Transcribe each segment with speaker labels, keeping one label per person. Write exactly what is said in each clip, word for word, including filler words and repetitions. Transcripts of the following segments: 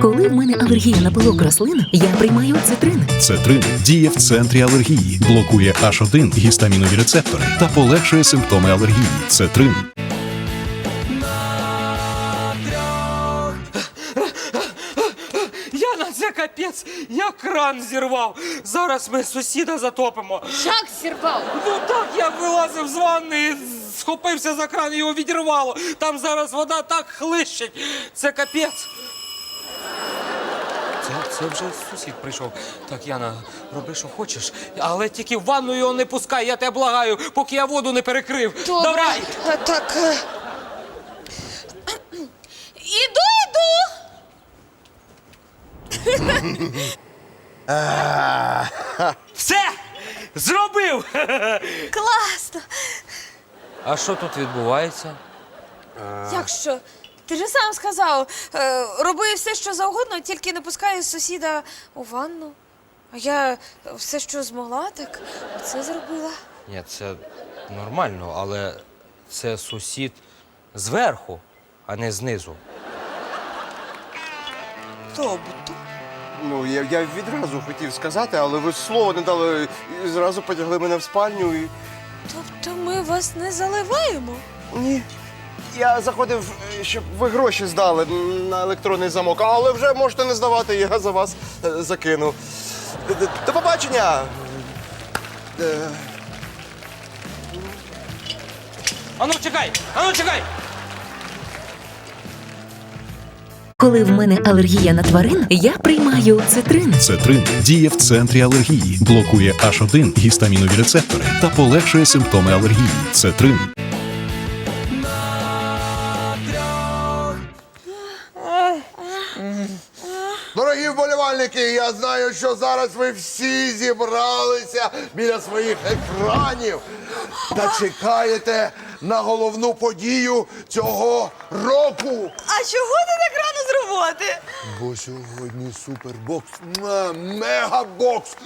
Speaker 1: Коли в мене алергія на пилок рослин, я приймаю цитрин.
Speaker 2: Цетрин діє в центрі алергії, блокує аш один гістамінові рецептори та полегшує симптоми алергії. Цетрин.
Speaker 3: Яна, це капець, я кран зірвав. Зараз ми сусіда затопимо.
Speaker 4: Як зірвав?
Speaker 3: Ну так, я вилазив з ванни, схопився за кран, його відірвало. Там зараз вода так хлищить. Це капець. Це, це вже сусід прийшов. Так, Яна, роби, що хочеш, але тільки в ванну його не пускай, я тебе благаю, поки я воду не перекрив.
Speaker 4: Добре.
Speaker 3: Давай!
Speaker 4: А, так. е. Іду, іду!
Speaker 3: Все! Зробив!
Speaker 4: Класно!
Speaker 3: А що тут відбувається?
Speaker 4: Як що? Ти ж сам сказав, е, роби все, що завгодно, тільки не пускай сусіда у ванну. А я все, що змогла, так це зробила.
Speaker 3: Ні, це нормально, але це сусід зверху, а не знизу.
Speaker 4: Тобто?
Speaker 5: Ну, я, я відразу хотів сказати, але ви слова не дали і зразу потягли мене в спальню і.
Speaker 4: Тобто ми вас не заливаємо?
Speaker 5: Ні. Я заходив, щоб ви гроші здали на електронний замок, але вже можете не здавати, я за вас е, закину. Д- До побачення! Е,
Speaker 3: Ану, чекай! Ану, чекай!
Speaker 1: Коли в мене алергія на тварин, я приймаю цитрин.
Speaker 2: Цетрин діє в центрі алергії, блокує аш один гістамінові рецептори та полегшує симптоми алергії. Цетрин.
Speaker 6: Дорогі вболівальники, я знаю, що зараз ви всі зібралися біля своїх екранів та чекаєте на головну подію цього року.
Speaker 4: А чого ти так рано з роботи?
Speaker 6: Бо сьогодні супербокс, муа, мегабокс.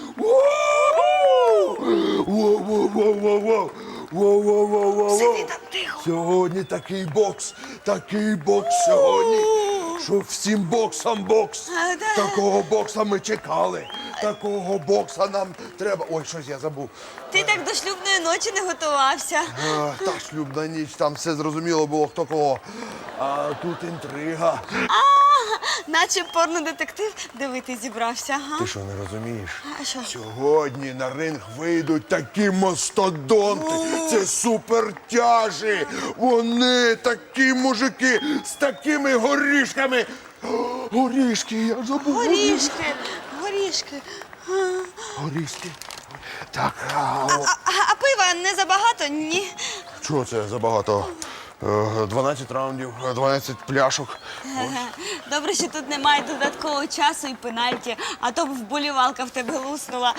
Speaker 6: Воу! Воу-воу-воу-воу-воу! Воу-воу-воу-воу-воу! Сьогодні такий бокс, такий бокс сьогодні, що всім боксам бокс.
Speaker 4: А, да.
Speaker 6: Такого бокса ми чекали, такого бокса нам треба. Ой, щось я забув.
Speaker 4: Ти так до шлюбної ночі не готувався.
Speaker 6: А, та шлюбна ніч, там все зрозуміло було, хто кого. А тут інтрига.
Speaker 4: Наче порнодетектив дивитись зібрався, ага.
Speaker 6: Ти що, не розумієш?
Speaker 4: А що?
Speaker 6: Сьогодні на ринг вийдуть такі мастодонти. Це супертяжі. Вони такі мужики з такими горішками. О, горішки, я забув.
Speaker 4: Горішки, горішки.
Speaker 6: Горішки. Так, а, о,
Speaker 4: А, а пива не забагато? Ні.
Speaker 6: що це за багато? Е, дванадцять раундів, дванадцять пляшок.
Speaker 4: Добре, що тут немає додаткового часу і пенальті, а то б вболівалка в тебе луснула.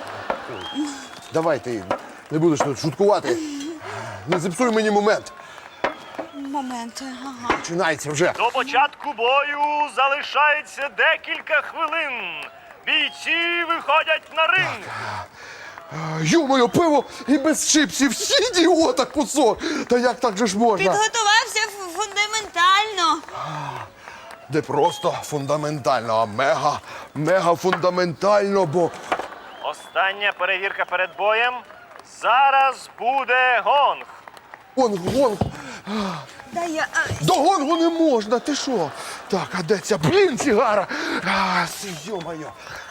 Speaker 6: Давай ти не будеш тут шуткувати. Не зіпсуй мені момент.
Speaker 4: Момент, ага.
Speaker 6: Починається вже.
Speaker 7: До початку бою залишається декілька хвилин. Бійці виходять на ринг.
Speaker 6: Ю-моє, пиво і без чипсів. Ідіота кусок. Та як так же ж можна?
Speaker 4: Підготувався ф- фундаментально.
Speaker 6: Не просто фундаментально, а мега, мега фундаментально, бо
Speaker 7: Остання перевірка перед боєм. Зараз буде гонг.
Speaker 6: гонг, гонг.
Speaker 4: Да я... а,
Speaker 6: До гонгу не можна, ти що? Так, а де ця, блін, сігара? А, йо-моє.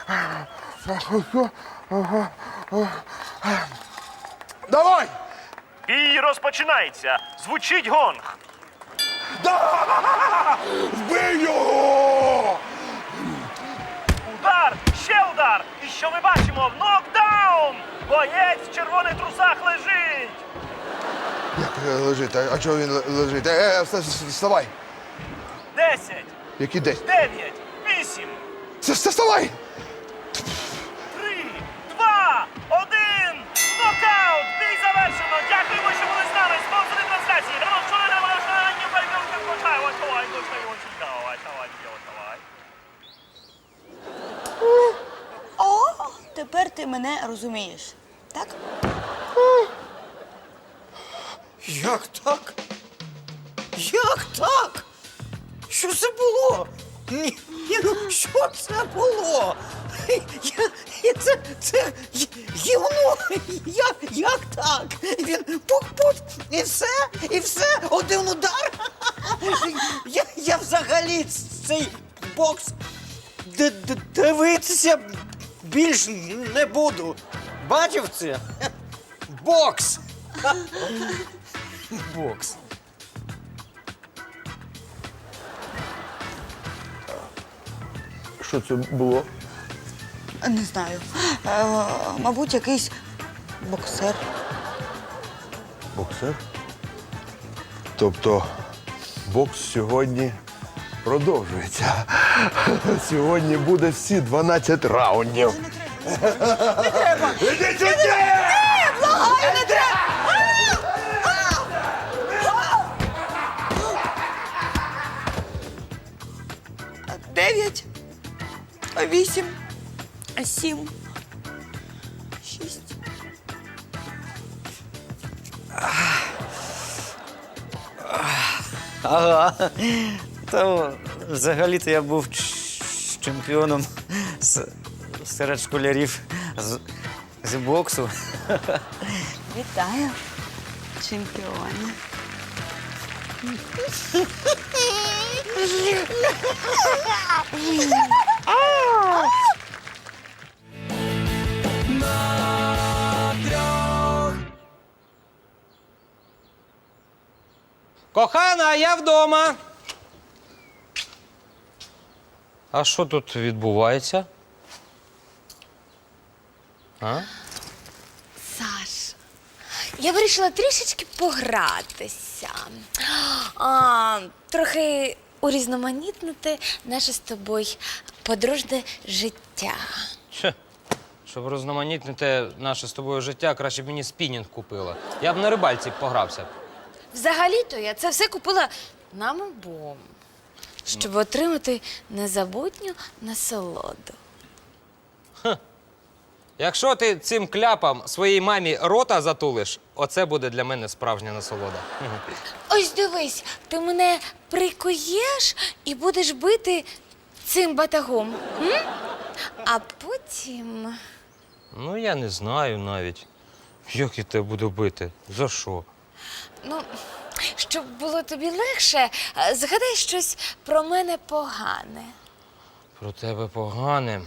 Speaker 6: Давай!
Speaker 7: Бій розпочинається. Звучить гонг.
Speaker 6: Да! Вбий його!
Speaker 7: Удар, ще удар. І що ми бачимо? Нокдаун! Боєць в червоних трусах лежить.
Speaker 6: Як е, лежить? А чого він ле- лежить? Е, е, вста- вста- вставай!
Speaker 7: Десять,
Speaker 6: Які десь?
Speaker 7: дев'ять, вісім,
Speaker 6: Вста- вста- Вставай!
Speaker 7: три, два, один. Нокаут! Бій завершено! Дякуємо, що були з нами. Спонсори трансляції.
Speaker 4: О, тепер ти мене розумієш, так?
Speaker 8: Як так? Як так? Що це було? Ні, ні, ну що це було? Я, я, це, це гі- гівно. Як, як так? Він пук-пук, і все, і все, один удар. Я, я взагалі цей бокс д- д- дивитися більш не буду. Бачив це? Бокс. Бокс.
Speaker 6: Що це було?
Speaker 9: Не знаю. Е, мабуть, якийсь боксер.
Speaker 6: Боксер? Тобто бокс сьогодні продовжується. Сьогодні буде всі дванадцять раундів. Не треба! Ідіть сюди!
Speaker 9: Благаю, не треба! Дев'ять, вісім, сім, шість.
Speaker 8: Ага. То взагалі-то я був ч- чемпіоном с- серед школярів з, з боксу.
Speaker 9: Вітаю, чемпіоне.
Speaker 3: Кохана, я вдома. А що тут відбувається? А?
Speaker 4: Саш, я вирішила трішечки погратися. А, трохи урізноманітнити наше з тобою подружне життя.
Speaker 3: Хе. Щоб розноманітнити наше з тобою життя, краще б мені спінінг купила. Я б на рибальці погрався.
Speaker 4: Взагалі-то я це все купила нам обом, щоб отримати незабутню насолоду.
Speaker 3: Якщо ти цим кляпом своїй мамі рота затулиш, оце буде для мене справжня насолода.
Speaker 4: Ось дивись, ти мене прикуєш і будеш бити цим батагом. М? А потім.
Speaker 3: Ну, я не знаю навіть. Як я тебе буду бити? За що?
Speaker 4: Ну, щоб було тобі легше, е, згадай щось про мене погане.
Speaker 3: Про тебе погане.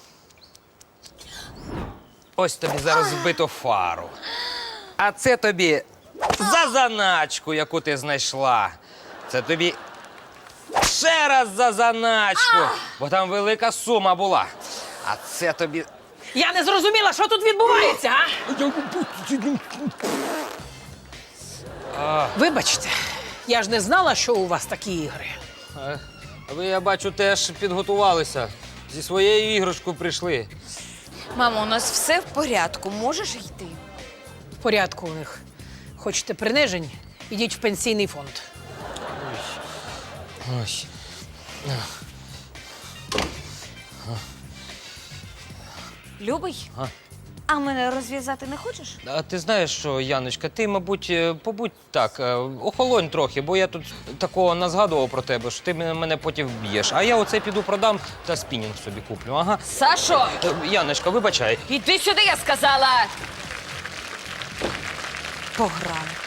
Speaker 3: Ось тобі зараз збито фару. А це тобі за заначку, яку ти знайшла. Це тобі ще раз за заначку, бо там велика сума була. А це тобі.
Speaker 10: Я не зрозуміла, що тут відбувається, а? Вибачте, я ж не знала, що у вас такі ігри.
Speaker 3: Е, Ви, я бачу, теж підготувалися. Зі своєю іграшкою прийшли.
Speaker 4: Мамо, у нас все в порядку, можеш йти.
Speaker 10: В порядку у них. Хочете принижень? Ідіть в пенсійний фонд.
Speaker 3: Ось.
Speaker 4: Любий,
Speaker 3: А?
Speaker 4: а мене розв'язати не хочеш?
Speaker 3: А ти знаєш що, Яночка, ти, мабуть, е, побудь так, е, охолонь трохи, бо я тут такого назгадував про тебе, що ти мене мене потім вб'єш. А я оце піду продам та спінінг собі куплю. Ага.
Speaker 10: Сашо!
Speaker 3: Е, Яночка, вибачай.
Speaker 10: Іди сюди, я сказала! Пограли.